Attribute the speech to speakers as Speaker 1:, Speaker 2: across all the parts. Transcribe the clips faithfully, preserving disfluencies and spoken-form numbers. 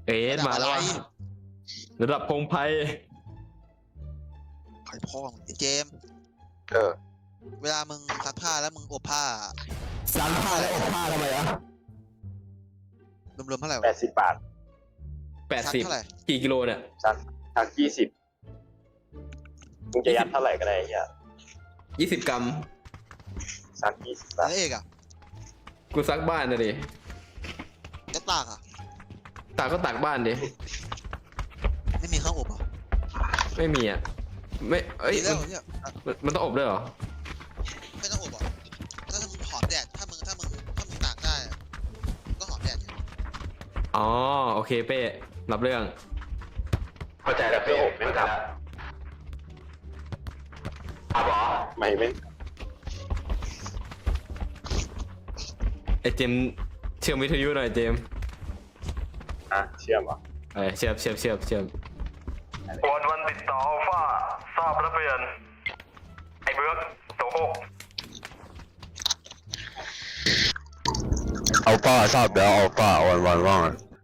Speaker 1: เอ๊ะมาแล้ววะระดับพงไพ
Speaker 2: ไข่พ่อมึงไอ้เจมส์
Speaker 3: เออ
Speaker 2: เวลามึงซักผ้าแล้วมึงอบผ้า
Speaker 4: ซักผ้าแล้วอบผ้าทำไมอ่ะ
Speaker 2: รวมๆเท่าไหร่
Speaker 3: แป
Speaker 2: วะ
Speaker 3: ดสิบบาท
Speaker 1: แปด
Speaker 2: ซัก
Speaker 1: สิบ
Speaker 2: เท่าไหร่
Speaker 1: กี่กิโลเนี่ย
Speaker 3: ซักซักยี่สิบมึงจะยัดเท่าไหร่ก็ได้เฮีย
Speaker 1: ยี่สิบกรัม
Speaker 3: ซักยี่สิบบาท
Speaker 2: แล้วเอกอ่ะ
Speaker 1: กูซักบ้านนะดิ
Speaker 2: แล้วตากอ่ะ
Speaker 1: ตากก็ตากบ้านดิ
Speaker 2: ไม่มีเครื่องอบอ่ะ
Speaker 1: ไม่มีอ่ะไม่เอ้ย
Speaker 2: มีแล้ว
Speaker 1: มัน
Speaker 2: เนี่ย
Speaker 1: มันมันต้องอบด้วยเหรอ
Speaker 2: ไม่ต้องอบอ่ะถ้ามึงหอมแดดถ้ามึงถ้ามึงถ้ามึงตากได้อะก็หอมแดดอยู่
Speaker 1: อ๋อโอเคเป้รับเรื่อง
Speaker 3: เข้าใจแล้วเพื่ออบไม่ทำอ่ะบอไม่ไม่
Speaker 1: ไอเจมส์เชื่อมวิทยุหน่อยเจมส์
Speaker 3: อ่ะเชื่อมเหรอ
Speaker 1: เอ้ยเชื่อมเชื่อมเชื่อมเชื่อม
Speaker 5: วันวันติดต่ออัลฟาทราบรับเปลี่ยนไอ้เบิร์กโตโคก
Speaker 4: อัลฟาทราบแล้วอัลฟาวันวันว่าง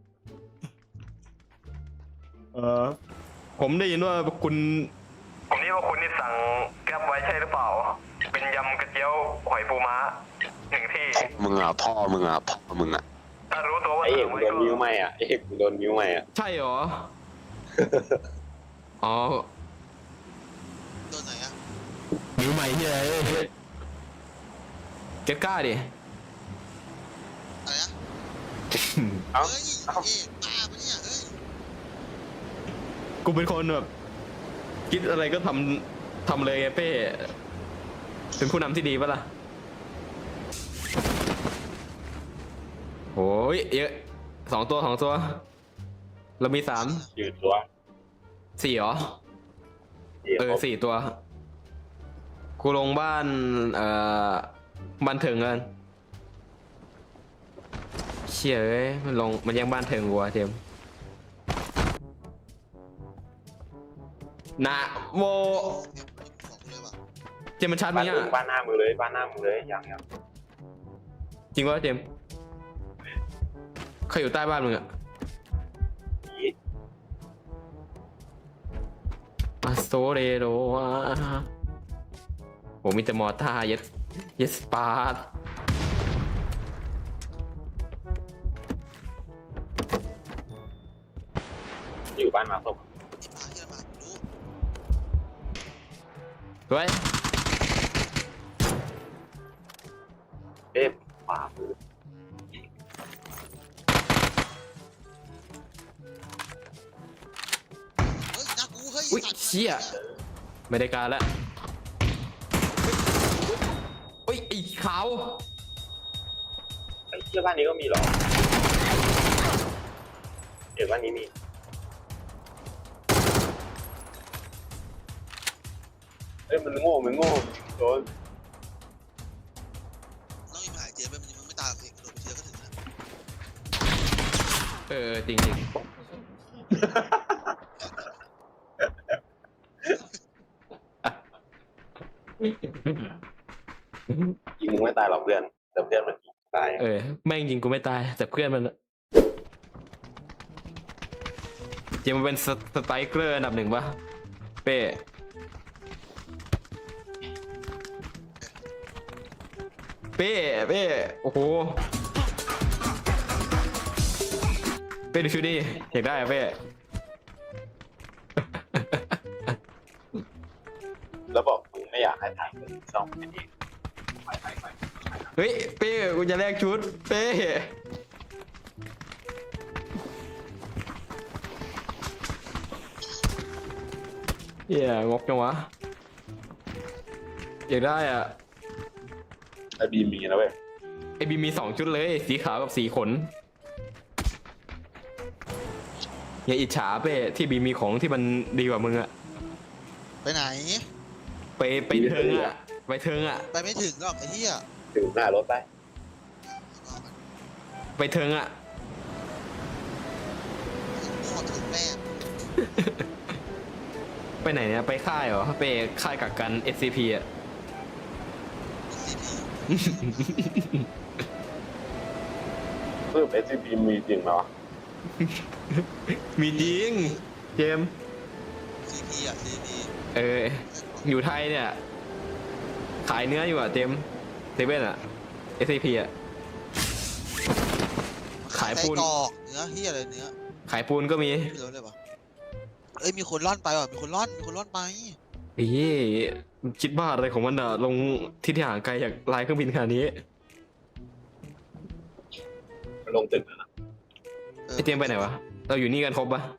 Speaker 1: เออผมได้ยินว่าคุณ
Speaker 5: ผมนี่ว่าคุณนี่สั่งแก๊ปไว้ใช่หรือเปล่า เป็นยำกระเจียวหอยปูม้าหนึ่งที่
Speaker 4: มึงอ่ะพ่อมึงอ่ะพ่อมึงอ่ะ
Speaker 5: ถ้ารู้ตัวว่า
Speaker 3: ไอเอก
Speaker 5: สั่ง
Speaker 3: มึง
Speaker 5: ไว้
Speaker 3: โด
Speaker 5: ก็
Speaker 3: นมิ้วไหมอ่ะไอเอกมึงโดนมิ้วไหมอ่ะ
Speaker 1: ใช่เหรอ อ๋อ
Speaker 2: โดนไหนอ่ะ
Speaker 4: นิ้วใหม่ที่ไหน
Speaker 1: เกตกล้าดิ
Speaker 2: อะไรนะ
Speaker 3: เอ้า
Speaker 2: เฮ้ย
Speaker 3: เอ้า
Speaker 2: เอกบ้าปะเนี่ยเฮ้ย
Speaker 1: กูเป็นคนแบบคิดอะไรก็ทำทำเลยไงเป้เป็นผู้นำที่ดีปะล่ะโอ้ยเยอะสองตัวสองตัว เรามีสาม
Speaker 3: ยืดตัว
Speaker 1: สี่เหรอ
Speaker 3: เดี๋ยว
Speaker 1: เออสี่ตัว กูลงบ้าน เอ่อบ้านเถิงกันเชี่ยเอ้ยมันลงมันยังบ้านเถิงกูอะเจมส์นะโม
Speaker 2: บอกกูเลยว่ะ
Speaker 1: เจมส์มันชัด
Speaker 3: บ้า
Speaker 1: มั้
Speaker 3: น
Speaker 1: ย
Speaker 3: มึ
Speaker 1: อะ
Speaker 3: งบ้านหน้ามือเลยบ้านหน้ามือเลยยังยัง
Speaker 1: จริงวะเจมส์ใครอยู่ใต้บ้านมึงอะ
Speaker 3: ผี
Speaker 1: อาโซเรโรอะโหมีแต่มอท่าเยสเยสปาร์ต
Speaker 3: อยู่บ้านมาศพ
Speaker 2: ที่พาที่เรามารู้
Speaker 1: เฮ้ย
Speaker 3: เอ๊ะขวามือ
Speaker 2: เฮ้ยหน้ากูเฮ้ย
Speaker 1: อุ้ย
Speaker 2: สัตว์
Speaker 1: เชี่ยไม่ได้การแล้วอุ้ยไอ้ขาว
Speaker 3: ไอ้เชื่อบ้านนี้ก็มีเหรอเดี๋ยวบ้านนี้มีเอ้ยมันโง่มันโง่โดน
Speaker 2: น้องอีหมายเจมส์มันมึงไม่ตายหรอกเอกกระโดดไปทีเดียวก็ถึงนะ
Speaker 1: เออจริงจริง
Speaker 3: ยิงมึงไม่ตายหรอกเพื่อนแต่เพื่อนมันยิงตาย
Speaker 1: เออแม่งยิงกูไม่ตายแต่เพื่อนมันอะเจมส์มันเป็นสสไตรเกอร์อันดับหนึ่งปะเป้เป้เป้โอ้โหเป้ดูชุดดิอยากได้อะเป้
Speaker 3: แล้วบอกมึงไม่อยากให้ถ่ายเป็นช่องแค่นี้
Speaker 1: เฮ้ยเป้กูจะแลกชุดเป้เหี้ยงกจังวะอยากได้อ่ะ
Speaker 3: ไอ้บีมมีนะเว้ย
Speaker 1: ไอบีมีสองชุดเลยสีขาวกับสีขนอย่าอิจฉาเป้ที่บีมีของที่มันดีกว่ามึงอะ
Speaker 2: ไปไหน
Speaker 1: ไปไปเทิงอะไปเทิงอะ
Speaker 2: ไปไม่ถึงหรอกไอ้เหี้ย
Speaker 3: ถึงหน้ารถได้
Speaker 1: ไปเทิงอะ
Speaker 2: โง่ถึงแม่
Speaker 1: ไปไหนเนี่ยไปค่ายเหรอไปค่ายกักกัน เอส ซี พี อะ
Speaker 2: ซีพี
Speaker 3: เพิ่ม เอส ซี พี มีจริงเหรอ
Speaker 2: ม
Speaker 1: มีจริงเจมส์
Speaker 2: ซีพีอ่ะซีพี
Speaker 1: เอออยู่ไทยเนี่ย ขายเนื้ออยู่อ่ะเจมส์เซเว่นอ่ะ เอส ซี พี อ่ะ ขายปูน
Speaker 2: ไส้กรอกเนื้อเฮียอะไรเนื้อ
Speaker 1: ขายปูนก็มี
Speaker 2: ไม่รู้เลยปะเอ้ยมีคนล่อนไปว่ะมีคนล่อนมีคนล่อนไป
Speaker 1: เอ้ยคิดบ้าอะไรของมันอ่ะ ลงทิศทางไกลจากลายเครื่องบินขนาดนี้
Speaker 3: มันลงตึกแล้วนะ
Speaker 2: ออ
Speaker 1: ไอเจมส์ไปไหนวะ เราอยู่นี่กันครบปะ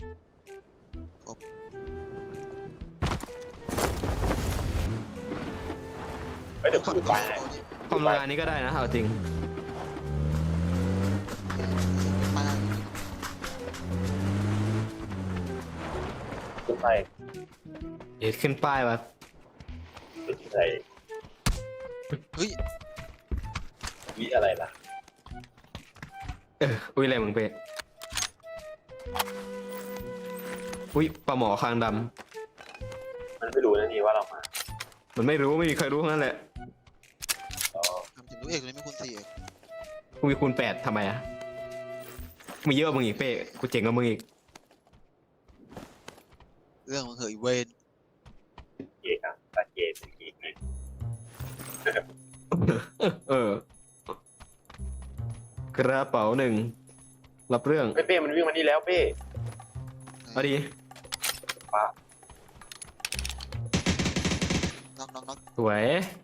Speaker 3: เฮ้ยเดี๋ยว
Speaker 2: ขับ
Speaker 3: กู
Speaker 2: รถ
Speaker 3: ไป
Speaker 2: เอาดิ
Speaker 1: ความโรงงานนี้ก็ได้นะเอาจริง
Speaker 2: ไป
Speaker 3: กูไป
Speaker 1: เอ็ดขึ้นป้ายวะ
Speaker 3: อะไร
Speaker 2: เฮ้ย
Speaker 3: วิอะไรล่ะ
Speaker 1: เอออุ้ยอะไรมึงเป๊ะอุ้ยปลาหมอคางด
Speaker 3: มันไม่รู้นะนี่ว่าเรามา
Speaker 1: ำมันไม่รู้ไม่มีใครรู้ทั้งนั้นแหละ
Speaker 3: อ๋อ
Speaker 2: ทำถึงรู้เอกเลยไม่คุณสี่เอก
Speaker 1: กูมีคูณแปดทำไมอ่ะมีเยอะกว่ามึงอีกเป้กูเจ๋งกว่ามึงอีก
Speaker 2: เรื่องมันเหยเวน
Speaker 3: เกย์ครับตาเกย์เป็นเกย์ไง
Speaker 1: เออกระเป๋าหนึ่งรับเรื่อง
Speaker 3: เป้เป้มันวิ่งมานี่แล้วเป้
Speaker 1: เอาดี
Speaker 3: ป้า
Speaker 2: น็อกน็อกน็อก
Speaker 1: สวย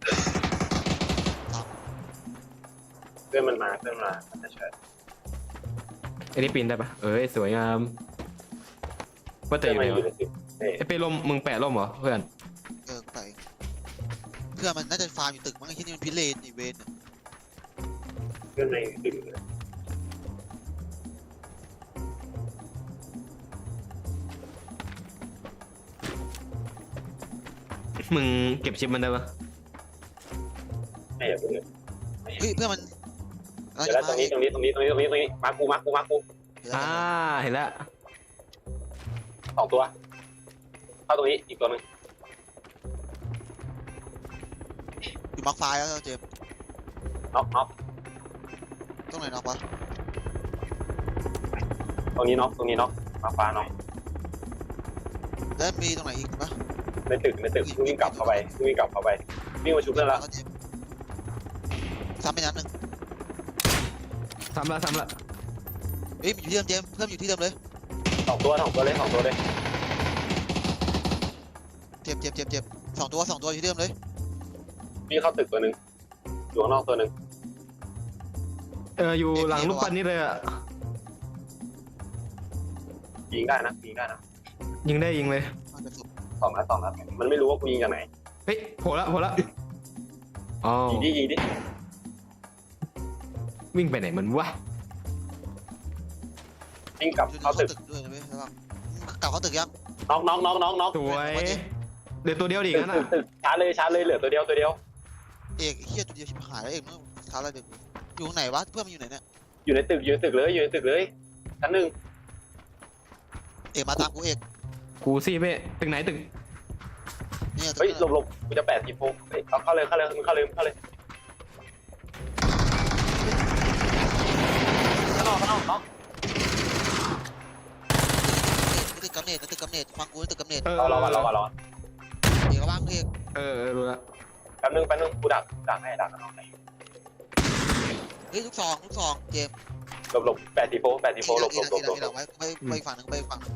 Speaker 3: เพื่อนมันมาเพื่อนมามันจะเชิญ
Speaker 1: ไอ้นี่ปีนได้ปะเอ้ยสวยงามว่าแต่
Speaker 3: เพื่อน
Speaker 1: อยู่
Speaker 3: มา
Speaker 1: ไหน
Speaker 3: อยู่
Speaker 1: วะ
Speaker 3: ในตึกเป้
Speaker 1: ไอ้เป้ล่มมึงแปะล่มเหรอเพื่อน
Speaker 2: เออไปเพื่อนมันน่าจะฟาร์มอยู่ตึกมั้งไอ้ที่นี่มันพิเรนอีเวนเนี่ย
Speaker 3: เพื่อนในตึกเลย
Speaker 1: มึงเก็บชิปมันได้ปะ
Speaker 3: ไม่อย่าเพิ่งเลย
Speaker 2: เฮ้ยเพื่อนมัน
Speaker 3: เดี๋ยวแล้วตรงนี้ตรงนี้ตรงนี้ตรงนี้ตรงนี้ตรงนี้มากูมากูมากู
Speaker 1: อ่าเห็นแล้ว
Speaker 3: สองตัวเข้าตรงนี้อีกตัวหนึง
Speaker 2: อยู่มาร์คไฟล์แล้วเจมส์
Speaker 3: น็อกน็อก
Speaker 2: ตรงไหนน็อกวะ
Speaker 3: ตรงนี้น็อกตรงนี้น็อกมาฟ้าน็อก
Speaker 2: แล้วมีตรงไหนอีกปะ
Speaker 3: ในตึกในตึกวิ่งกลับเข้าไปวิ่งกลับเข้าไปวิ่งมาชุบเพื่อนละ
Speaker 2: เจมส์ซ้ำไปนัดหนึ่ง
Speaker 1: ซ้ำละซ้ำละ
Speaker 2: เฮ้ยมันอยู่ที่เดิมเจมส์เพิ่มอยู่ที่เดิมเลย
Speaker 3: สองตัวสองตัวเลยสองตัวเลย
Speaker 2: เจ็บเจ็บเจ็บเจ็บสองตัวสองตัวอยู่ที่เดิมเลย
Speaker 3: วิ่งเข้าตึกตัวหนึ่งอยู่ข้างนอกตัวหนึ่ง
Speaker 1: เอออยู่หลังรูปปั้นนี้เลยอะ
Speaker 3: ยิงได้นะยิงได้นะ
Speaker 1: ยิงได้ยิงเลย
Speaker 2: มันจะสุด
Speaker 3: สองนัดสองนัดมันไม่รู้ว่ากูยิงจากไหน
Speaker 1: เฮ้ยโผล่ละโผล่ละอ๋อ
Speaker 3: ยิงดิยิงดิ
Speaker 1: วิ่งไปไหนมันวะ
Speaker 3: วิ่งกลับ
Speaker 2: อยู่ใน
Speaker 3: เข้าตึก
Speaker 2: ตึกด้วยนะเว้ยแล้วก็กลับเข้าตึกยัง
Speaker 3: น็อกน็อกน็อกน็อกน็อก
Speaker 1: สวยเดี๋ยวตัวเดียวดิ
Speaker 3: ตึก
Speaker 1: งั้น
Speaker 3: ตึ
Speaker 1: อ่ะ
Speaker 3: กตึกชาร์จเลยชาร์จเลยเหลือตัวเดียวตัวเดียว
Speaker 2: เอกเฮียตัวเดียวชิบหายแล้วเอกมึงท้าอะไรเด็กอยู่ตรงไหนวะเพื่อนมันอยู่ไหนเนี่ย
Speaker 3: อยู่ในตึกอยู่ในตึกเลยอยู่ในตึกเลยชั้นหนึ่ง
Speaker 2: เอกมาตามกูเอก
Speaker 1: กูสิเป้ตึกไหนตึก
Speaker 2: เนี่ย
Speaker 3: เฮ้ยหลบหลบกูจะแปดสิบโมงเฮ้ยเอาเข้าเลยเข้าเลยเข้าเลยเข้าเลยข้างนอกข้างนอกน็อก
Speaker 2: ตึกกำเนิดตึกกำเนิดฟังกูตึกกำเนิด
Speaker 1: เออ
Speaker 3: รอรอก่อนรอก่อนรอ
Speaker 2: เอกว่างเอก
Speaker 1: เออเออรู้ละ
Speaker 3: แป๊บนึงแป๊บนึงกูดักดักให้ดักข้างนอกไหน
Speaker 2: เฮ้ยลูกซองลูกซองเจม
Speaker 3: หลบหลบแปดสิบโมงแปดสิบโมงหลบหลบหลบหลบ
Speaker 2: ทีหลังไว้ไปไปฝั่งนึงไปฝั่งนึง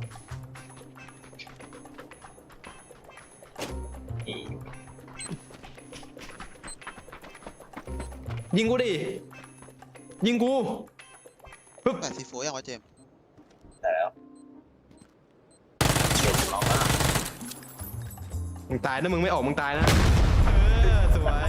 Speaker 1: ยิงกูดิยิงกูปึ๊บ
Speaker 2: แปดสี่โฟยังวะเจม
Speaker 3: แต่แล้วเดี๋ยวกูลองนะ
Speaker 1: มึงตายนะมึงไม่ออกมึงตายนะเออสวย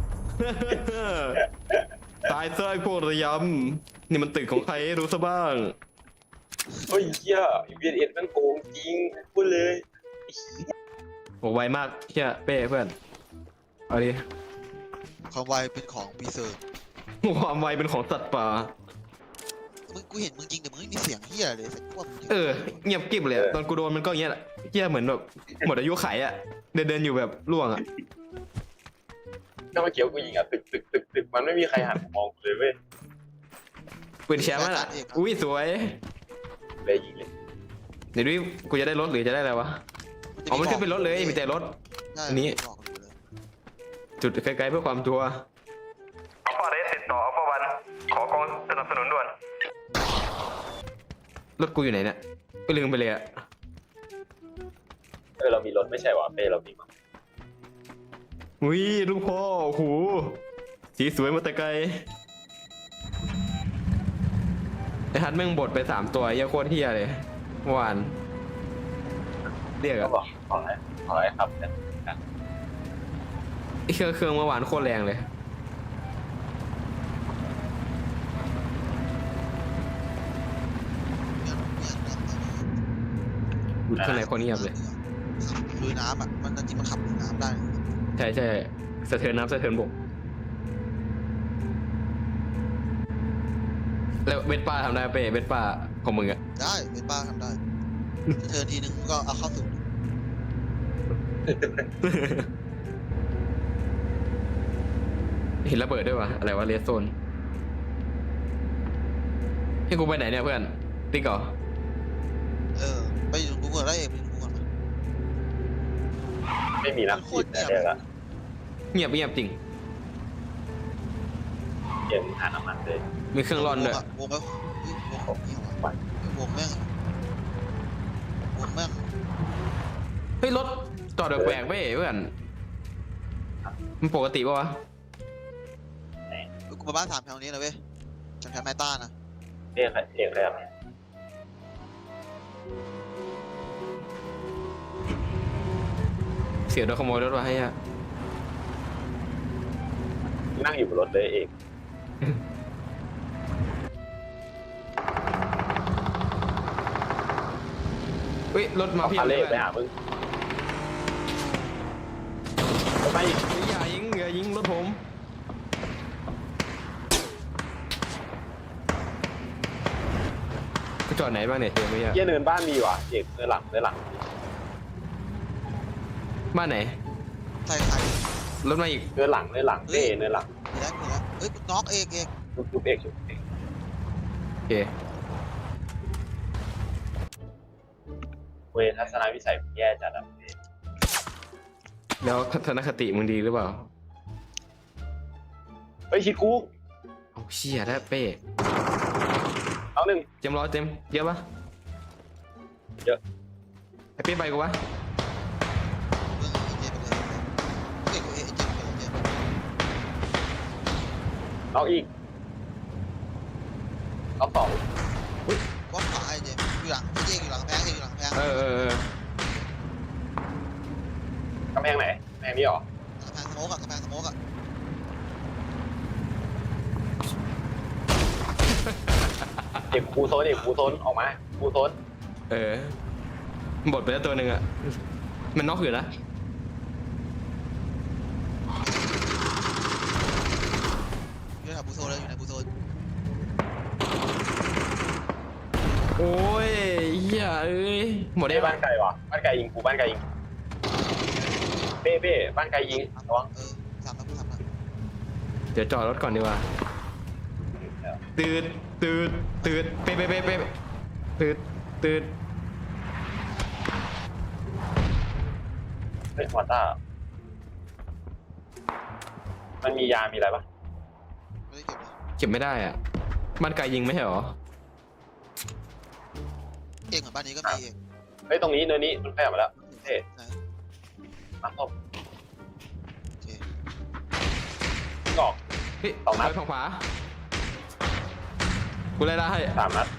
Speaker 1: ตายซะไอ้พวกระยำนี่มันตึกของใครรู้ซะบ้าง
Speaker 3: เฮ้ยเหี้ยวีเอ็ดมันโกงจริงพูดเลย
Speaker 1: โหไวมากเฮียเป้เพื่อนเอาดิ
Speaker 2: ความไวเป็นของปีเซอร์
Speaker 1: ความไวเป็นของสัตว์ป่า
Speaker 2: มึงกูเห็นมึงยิงแต่มึงไม่มีเสียงเฮียเลยสักพวกมึง
Speaker 1: เออเงียบกริบเลยอะตอนกูโดนมันก็อย่างเงี้ยแหละเฮียเหมือนแบบหมดอายุไขอะเดินเดินอยู่แบบล่วงอะ
Speaker 3: ก็เมื่อกี้กูยิงอ่ะตึกตึกตึกตึกมันไม่มีใครหันมามองกูเลยเว้ย
Speaker 1: ปืนแชมป์อะอุ้ยสวย
Speaker 3: เลยยิงเลย
Speaker 1: เดี๋ยวดิกูจะได้รถหรือจะได้อะไรวะอ๋อมันขึ้นเป็นรถเลยมีแต่รถ
Speaker 2: ใช่
Speaker 1: อันนี้
Speaker 2: บอกอยู่เลย
Speaker 1: จุดไกลๆเพื่อความชัวร์
Speaker 5: อัลฟาเรสติดต่ออัลฟาวันขอกองสนับสนุนด่วน
Speaker 1: รถกูอยู่ไหนเนี่ยก็ลืมไปเลยอะ
Speaker 3: เออเรามีรถไม่ใช่หรอเป้เรามีมั้ง
Speaker 1: อุ้ยลูกพ่อโอ้โหสีสวยมาแต่ไกลไอ้ฮัทแม่งบดไปสามตัวเหี้ยอะโคตรเฮียเลยเมื่อวานเรียก
Speaker 3: ก็
Speaker 1: อะ
Speaker 3: บอกขออะไรขออะไรครับเนี่ย
Speaker 1: ไอ้เครื่องเครื่องเมื่อวานโคตรแรงเลยอุดข้างในคนเงียบเลย
Speaker 2: ขับลุยน้ำอ่ะมันจริงมันขับลุยน้ำได้
Speaker 1: ใช่ใช่สะเทือนน้ำสะเทือนบกแล้วเวทป้าทำได้เป้เวทป้าของมึงอะ
Speaker 2: ได้เป็นป้าทำได้เทิร์นทีนึงก็เอาเข้าสู่
Speaker 1: เห็นระเบิดด้วยวะอะไรวะเรสโซนให้กูไปไหนเนี่ยเพื่อนติ๊กเหรอ
Speaker 2: เออไปอยู่ตรงกูก่อนได้เองไปอยู่ตรงกูก่อนมา
Speaker 3: ไม่มีนักขีดแต่เดี๋ยวละ
Speaker 1: เงียบเงียบจริง
Speaker 3: เย็นหาน้ำมันเลย
Speaker 1: มีเครื่องร่อนด้วย
Speaker 2: วงอะวงแล้วเฮ้ยวงนี่หว่าวงแม่งวงแม่ง
Speaker 1: เฮ้ยรถจอดแปลกๆเว้ยเพื่อนมันปกติปะวะ
Speaker 2: กูมาบ้านสามแถวนี้นะเว้ยจากแถวแมตต้านะ
Speaker 3: เรียกเรียกอะไรครับ
Speaker 1: เสียโดนขโมยรถวะให้อะ
Speaker 3: นั่งอยู่บนรถเลยเอง
Speaker 1: เฮ้ยรถมา
Speaker 3: เอา
Speaker 1: เพียบ
Speaker 3: พา
Speaker 1: เล
Speaker 3: เล่
Speaker 1: ย
Speaker 3: ไปหามึงไป
Speaker 1: อย่ายิงอย่ายิงรถผมกูจอดไหนบ้างเนี่ยเจอไหมอะ
Speaker 3: เยี่ยเนินบ้านมีว่ะเอกเนินหลังเนินหลัง
Speaker 1: บ้านไหน
Speaker 2: ใส่ไข่
Speaker 1: รถมาอีก
Speaker 3: เนินหลังเนินหลังเป้เนินหลัง
Speaker 2: มีแล้วมีแล้วเฮ้ยน็อกเอกเอก
Speaker 3: ชุบชุบเอกชุบเอก
Speaker 1: โอเค
Speaker 3: เวทัศนวิสัยแย่จัดอ่ะ
Speaker 1: แล้วทัศนคติมึงดีหรือเปล่า
Speaker 3: เฮ้ยชิดกู
Speaker 1: เอาเชี่ยแล้วเป้
Speaker 3: เอาหนึ่ง
Speaker 1: เจมส์รอเจมส์เยอะปะ
Speaker 3: เยอะ
Speaker 1: ไอเป้ไปกูวะ
Speaker 2: เรื่องเอเจไปเลยเอกเอเจไปเลยเจ
Speaker 3: เอาอีกเอาสอง
Speaker 2: กว้างขวาไอเจอยู่หลังเอเจอยู่หลังแพงเออยู่หลังแพง
Speaker 1: เออเออเออก
Speaker 3: ำแพงไหนกำแพงนี้หรอ
Speaker 2: กำแพงสโมกอะกำแพงสโมกอะ
Speaker 3: เด็กครูโซนเด็กครูโซนออกมาครูโซน
Speaker 1: เออ บดไปแล้วตัวหนึ่งอะมันน็อกอยู่นะ
Speaker 2: อยู่ในบูโซเลยอยู่ในบูโซ
Speaker 1: โอ้ยเหี้ยเอ้ย หมด
Speaker 3: เป้
Speaker 1: ได้
Speaker 3: บ้านไกลวะบ้านไกลยิงกูบ้านไกลยิงเป้เป้บ้านไกลยิงระวัง
Speaker 2: เออสามแล้วกูสามแล้ว
Speaker 1: เดี๋ยวจอดรถก่อนดีกว่า ตืดตืดตืดเป๊ะเป๊ะเป๊ะเป๊ะตืดตืด
Speaker 3: เฮ้ยมอต้ามันมียามีอะไรปะ
Speaker 2: ไม่ได้เก็บเลย
Speaker 1: เก็บไม่ได้อ่ะบ้านไกลยิงไม่ใช่หรอ
Speaker 2: เอกเหมือนบ้านนี้ก็มีเอก
Speaker 3: เฮ้ยตรงนี้เนินนี้มันแพ้มาแล้วเท่
Speaker 2: ไหน
Speaker 3: มาเข้า
Speaker 2: โอเค
Speaker 3: งอก
Speaker 1: เฮ้ย
Speaker 3: สองนัด
Speaker 1: ไปฝั่งขวากูไล่ล่าให้
Speaker 3: สามนัด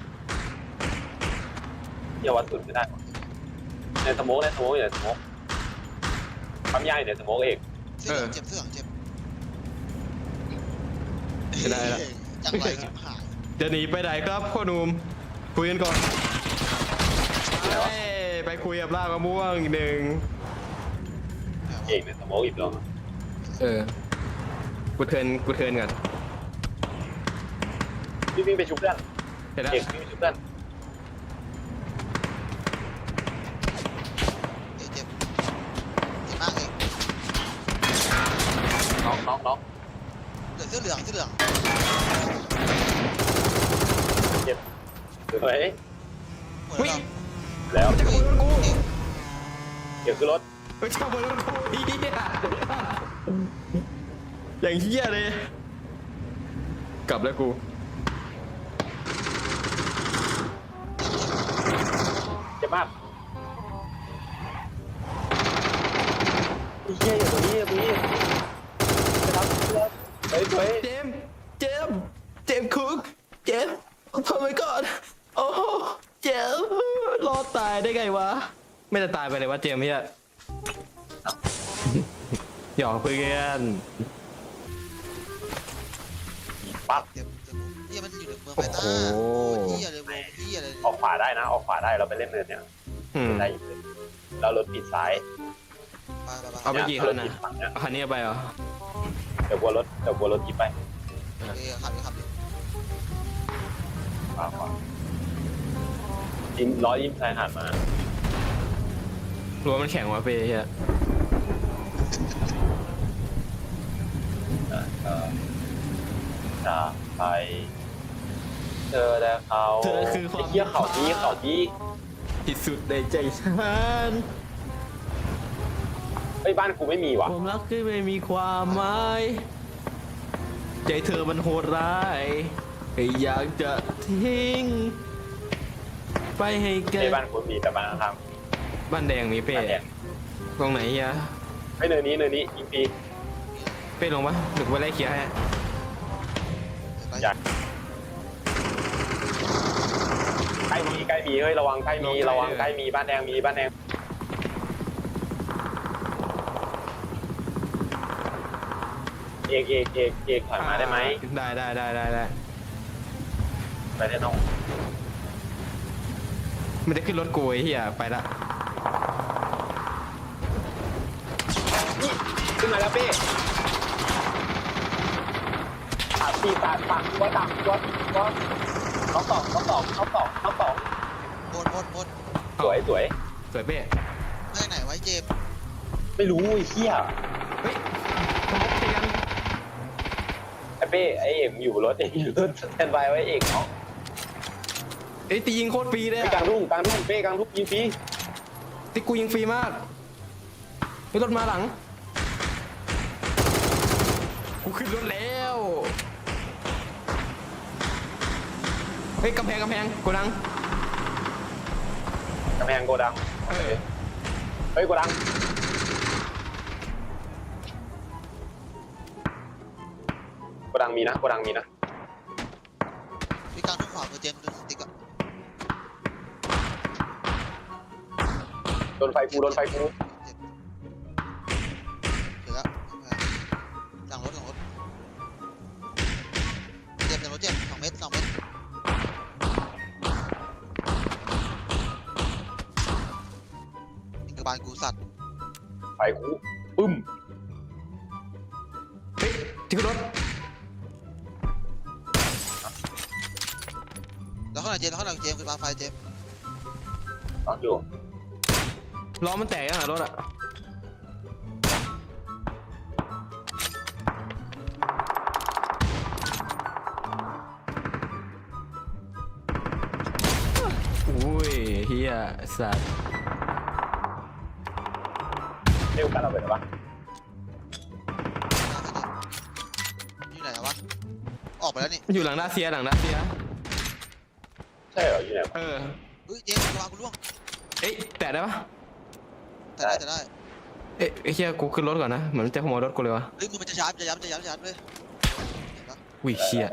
Speaker 3: เที่ยววัดสุดไม่ได้หรอในสโมกในสโมกอยู่ในสโมกปั๊มยาอยู่ในสโมกเอก
Speaker 2: เสื้อเหลืองเจ็บเสื้อเหลืองเจ็บ
Speaker 1: จะได้ละ
Speaker 2: จังไรชิบหาย
Speaker 1: จะหนีไปไหนครับพ่อหนุ่มคุยกันก่อนเอ้ยไปคุยกับลากมะม่วงอีกหนึ่ง
Speaker 3: เอกในสโมกอีกแล้ว
Speaker 1: เออกูเทิร์นกูเทิร์นก่อน
Speaker 3: พี่วิ่งไปชุบเพื่อน
Speaker 1: เห็นแล้ว
Speaker 3: เอกวิ่งไปชุบเพื่อน
Speaker 2: เอกเจ็บเจ็บมากเอก
Speaker 3: น็อกน็อกน็อก
Speaker 2: เหลือเสื้อเหลืองเสื้อเหลือง
Speaker 3: เจ็บสวย
Speaker 2: หมดแล้ว
Speaker 3: แล้ว
Speaker 1: มันจะขโมยรถกู
Speaker 3: เดี๋ยวขึ้นรถ
Speaker 1: มันจะขโมยรถกูเฮียอย่างเฮียเลย กลับแล้วกู
Speaker 3: เจ็บมากไอ้เหี้ยอยู่ตรงนี้อยู่ตรงนี้ไปรับเฮ้ยเฮ้ย
Speaker 1: เจมส์เจมส์เจมส์คุกเจมส์โอ้ my god โอ้เจมส์รอดตายได้ไงวะ ไม่จะตายไปเลยวะเจมส์เฮียหยอกเพื่อน
Speaker 3: ปั๊บ
Speaker 2: เต็มเต็มเฮียมันอยู่ในเมืองไฟต้าเฮียเลยวงเฮียเลย
Speaker 3: ออกขวาได้นะ ออกขวาได้เราไปเล่นเนินเนี่ย
Speaker 1: อืม
Speaker 3: ได้อยู่เลยเรารถปิดซ้าย
Speaker 2: ไปไปไป
Speaker 1: เอาไปกี่คันนะ
Speaker 3: รถปิดฝั่งเนี่ย
Speaker 1: เอาคันนี้ไปเหรอ
Speaker 3: เดี๋ยวกลัวรถเดี๋ยวกลัวรถยิบไป
Speaker 2: เออขับดิขับดิ
Speaker 3: ขวาขวายิ้มร้อยยิ้มชายหาดมา
Speaker 1: รั้วมันแข็งวะเป้เฮีย
Speaker 3: อ่ะก็จะไปเจอแล้วเขา
Speaker 1: เธอคือความ
Speaker 3: ไอ้เหี้ยเขาดีเขาดี
Speaker 1: ที่สุดในใจฉัน
Speaker 3: เฮ้ยบ้านกูไม่มีว่ะ
Speaker 1: ความรักที่ไม่มีความหมายใจเธอมันโหดร้ายอยากจะทิ้ง ไปให้ไกล
Speaker 3: ในบ้านกูมีแต่บ้านข้าง
Speaker 1: บ้านแดงมี
Speaker 3: ๆ
Speaker 1: เป้
Speaker 3: บ้านแดง
Speaker 1: ตรงไหนเฮีย
Speaker 3: ไอ้เนินนี้เนินนี้ยิงปี
Speaker 1: เป้ลงปะหรือว่าไล่เคลียร์ให้
Speaker 3: อยากใกล้มีใกล้มีเฮ้ยระวังใกล้มีระวังใกล้มีบ้านแดงมีบ้านแดงเอกเอกเอกเอกถอยมาได้ไหม
Speaker 1: ได้ได้ได้ได้ได้
Speaker 3: ไปได้น้อง
Speaker 1: มันจะขึ้นรถกูไอ้เฮียไปละ
Speaker 3: ขึ้นมาแล้วเป้สามสี่สามสามตัวสามตัวตัวน้องสองน้องสองน้องสองน้องสอง
Speaker 2: บนบนบน
Speaker 3: สวยสวย
Speaker 1: สวยเป้
Speaker 2: ไม่ไหนไว้เจม
Speaker 3: ไม่รู้ไอ้เหี้ย
Speaker 1: เฮ้ยสมมติเตียง
Speaker 3: ไอ้เป้ไอ้เอกอยู่บนรถเอกอยู่รถสแตนบายไว้เอกเนาะ
Speaker 1: ไอ้ยตียิงโคตรฟรีเลย
Speaker 3: ไปกลางทุ่งกลางทุ่งเป้กลางทุ่งยิงฟรี
Speaker 1: ตีกูยิงฟรีมากไอ้รถมาหลังกูขึ้นรถแล้วเฮ้ยกำแพงกำแพงกูดัง
Speaker 3: กำแพงโกดัง
Speaker 1: เออ
Speaker 3: เฮ้ยโกดังโกดังมีนะโกดังมีนะ
Speaker 2: พี่กลางทุ่งขวามือเจมดูสติ๊กอะ
Speaker 3: โดนไฟฟูโดนไฟฟู
Speaker 2: เสร็จแล้วหลังรถหลังรถเจมหลังรถเจมสองเมตรสองเมตรกระบาลกูสัตว์
Speaker 3: ไฟฟูปึ้ม
Speaker 1: เฮ้ยที่ขึ้นรถ
Speaker 2: แล้วข้างหลังเจมแล้วข้างหลังเจมคือปาไฟเจม
Speaker 3: ตอนอยู่
Speaker 1: ล้อมันแตกยังอ่ะรถอ่ะอุ้ยเฮียสัตว์
Speaker 3: เร็วกันเราไปหรอปะ
Speaker 2: อยู่ไหนวะออกไปแล้วนี่
Speaker 1: อยู่หลังด้าเซียหลังด้าเซีย
Speaker 3: ใช่เหรออยู่ไหน
Speaker 1: เออ
Speaker 2: เฮ้ยเจมกระบาลกูล่วง
Speaker 1: เอ๊ะแตะได้ปะ
Speaker 2: แต่ได้แต่ได้
Speaker 1: เอ๊ะไอ้เฮียกูขึ้นรถก่อนนะเหมือนมันจะขโมยรถกูเลยวะ
Speaker 2: เฮ้ยมือมันจะชาร์จจะย้ำจะย้ำจะย้ำเลยเห็นปะ
Speaker 1: วิเชีย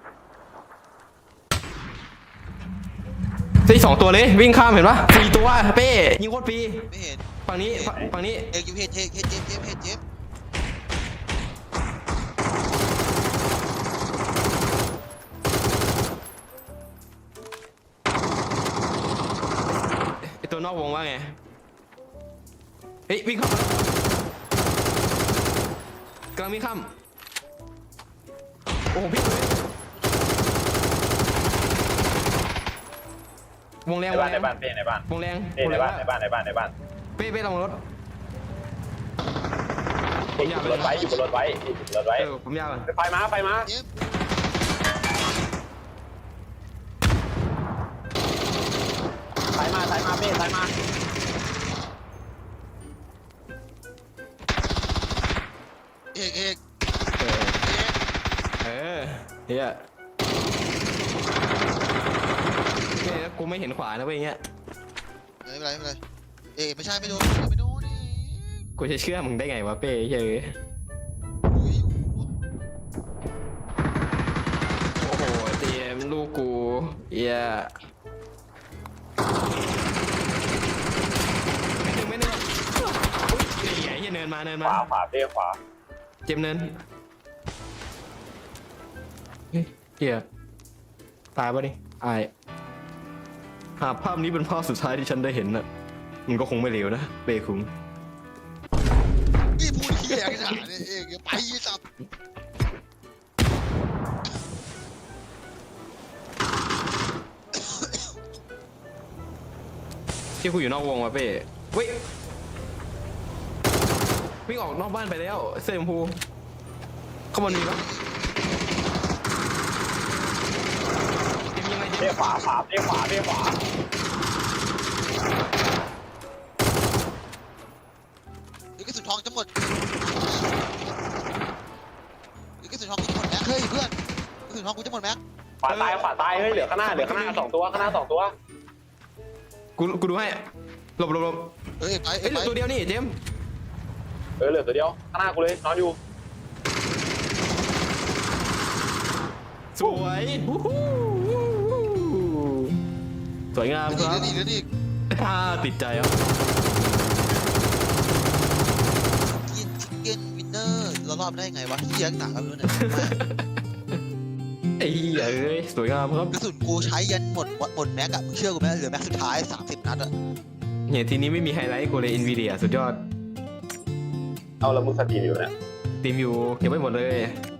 Speaker 1: ที่สองตัวเลยวิ่งข้ามเห็นปะสี่ตัวเป้ยิงโคตรฟรี
Speaker 2: ไม่เห็น
Speaker 1: ฝั่งนี้ฝั่งฝั่งนี้
Speaker 2: เอกอยู่เห็นเห็นเห็นเจมเจมเห็นเจม
Speaker 1: ไอตัวนอกวงว่าไงเฮ้ยวิ่งเข้ามากำลังวิ่งข้ามโอ้โหพี่เลยวงแรง
Speaker 3: ใน
Speaker 1: วง
Speaker 3: บ้าน
Speaker 1: แร
Speaker 3: ใน
Speaker 1: ง
Speaker 3: บ้านเป้ในบ้าน
Speaker 1: วงแรง
Speaker 3: เป้
Speaker 1: วง
Speaker 3: ใน
Speaker 1: แรง
Speaker 3: บ้านในบ้านในบ้านในบ้าน
Speaker 1: เป้เป้ลงรถ
Speaker 3: เอกอยู่บนรถไว้อยู่บนรถไว้อยู่บนรถไว้
Speaker 1: เออผมยาวอ่ะ
Speaker 3: ไฟมาไฟมา
Speaker 2: เจม
Speaker 3: ายมาสายมาเป้สายมา
Speaker 2: เอกเอก
Speaker 1: เออ
Speaker 2: เอก
Speaker 1: เออเฮียเนี่ยกูไม่เห็นขวานะเว้ยเงี้ย
Speaker 2: ไม่เป็นไรไม่เป็นไรเอกไม่ใช่ไม่โดนไม่โดนนี่
Speaker 1: กูจะเชื่อมึงได้ไงวะเป้เฮ้ย
Speaker 2: อุ้ย
Speaker 1: โอ้โหเตรียมลูกกูเฮียไม่หนึ่งไม่หนึ่งอุ้ยเฮียเฮียเนินมาเนิน
Speaker 3: ข
Speaker 1: มา
Speaker 3: วาขวาเป้ขวา
Speaker 1: เจ็บเนินเฮ้ยเฮียตายปะนี่อายหากภาพนี้เป็นภาพสุดท้ายที่ฉันได้เห็นน่ะมันก็คงไม่เลวนะเป้คุง
Speaker 2: นี่พูดเหี้ยกันหนาเนี่ยเอกอย่าไปสับ
Speaker 1: ที่กูอยู่นอกวงว่ะเป้เว้ยวิ่งออกนอกบ้านไปแล้วเสื้อชมพูเข้ามามีปะเกมยังไงเก
Speaker 3: เป้
Speaker 1: ม
Speaker 3: ขวาขวาเป้ขวาเป้ขวา
Speaker 2: เดี๋ยวกระสุนทองจะหมดเดี๋ยวกระสุนทองกูจะหมดแม็กเฮ้ยเพื่อนกระสุนทองกูจะหมดแม็ก
Speaker 3: ขวาตายขวาตายเฮ้ยเหลือข้างหน้าเหลือข้างหน้าสองตัวข้างหน้าสองตัว
Speaker 1: กูกูดูให้หลบหลบหลบ
Speaker 2: เอ้ยไป
Speaker 1: เอ้ยเหลื
Speaker 2: ไป
Speaker 1: อตัวเดียวนี่เจมส์
Speaker 3: เออเหลือตัวเดียวข้างหน้ากูเลยนอนอยู่
Speaker 1: สวยวู้ฮู้สวยงาม
Speaker 2: เดี๋ยว
Speaker 1: ค
Speaker 2: นี่
Speaker 1: รับ
Speaker 2: เดี๋ยวนี่
Speaker 1: อ่าติดใจอ่ะ
Speaker 2: กินชิคเก้นวินเนอร์เรารอบได้ไงวะเหี้ยหนาครับเพื่อนเนี่ย
Speaker 1: ไอ้เหี้ยเอ้ยสวยงามครับ
Speaker 2: กระสุนกูใช้ยันหมดหมดแม็กอะมึงเชื่อกูไหมเหลือแม็กสุดท้ายสามสิบนัดอะ
Speaker 1: เนี่ยทีนี้ไม่มีไฮไลท์กูเลย Nvidia สุดยอด
Speaker 3: เอาแล้วมึงสตรีมอยู่เนี่ย
Speaker 1: ทีมอยู่เก็บไว้หมดเลย